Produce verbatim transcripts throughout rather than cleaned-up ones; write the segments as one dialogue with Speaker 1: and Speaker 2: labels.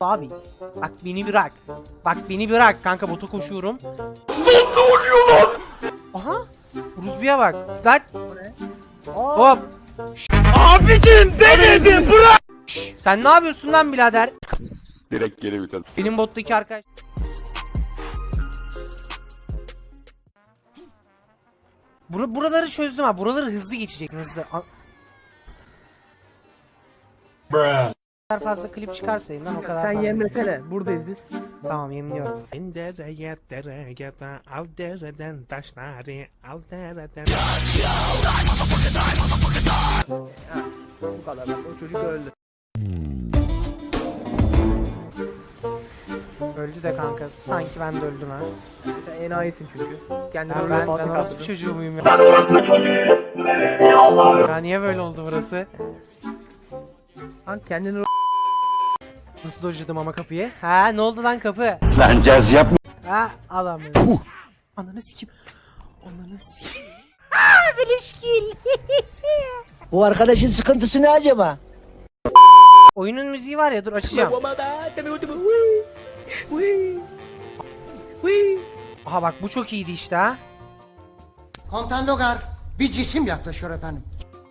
Speaker 1: Abi bak beni bırak. Bak beni bırak kanka, bota koşuyorum.
Speaker 2: Ne oluyor lan?
Speaker 1: Aha. Ruzbi'ye bak. Lan.
Speaker 3: Aa,
Speaker 1: Hop.
Speaker 2: Abicim denedim bırak.
Speaker 1: Şş, sen ne yapıyorsun lan birader?
Speaker 2: Direkt geri vites.
Speaker 1: Benim bottaki arkadaş. Bur buraları çözdüm ha. Buraları hızlı geçeceksin, hızlı. A
Speaker 2: Bruh.
Speaker 1: kadar fazla klip çıkarsa lan o kadar
Speaker 3: sen
Speaker 1: fazla.
Speaker 3: yemlesene. Buradayız biz.
Speaker 1: Tamam, yemliyorum.
Speaker 4: Dereye dereye da al dereden taşları al dereden.
Speaker 3: Bu kadar. O çocuk öldü.
Speaker 1: Öldü de kanka. Sanki ben de öldüm ha.
Speaker 3: Sen enayisin çünkü. Kendini
Speaker 1: Ya
Speaker 3: öyle
Speaker 1: ben, ben
Speaker 3: fatih
Speaker 1: orospu
Speaker 3: kaldırdın.
Speaker 1: çocuğu muyum ya? Ben orospu çocuğuyum. Ya niye böyle oldu burası?
Speaker 3: Lan kendini
Speaker 1: Nasıl dojladım ama kapıyı? Ha ne oldu lan kapı?
Speaker 2: Lan caz yapma.
Speaker 1: Ha adam. Ananı sikeyim. Ananı sikeyim. Aaa beleşkil.
Speaker 5: Bu arkadaşın sıkıntısı ne acaba?
Speaker 1: Oyunun müziği var ya, dur açacağım. Aha bak bu çok iyiydi işte ha.
Speaker 6: Komutan Logar, bir cisim yaklaşıyor efendim.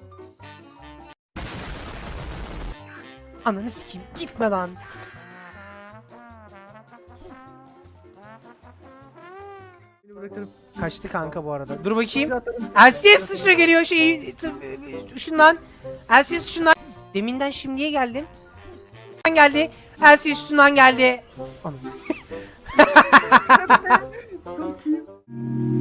Speaker 1: Ananı sikeyim, gitme lan.
Speaker 3: Seni bırakırım.
Speaker 1: Kaçtı kanka bu arada. Dur bakayım.
Speaker 3: Atarım.
Speaker 1: L C S dışına geliyor şey. Şundan. L C S şundan. Deminden şimdiye geldim. Şundan geldi. L C S şundan geldi. Anam.
Speaker 3: Çok iyi.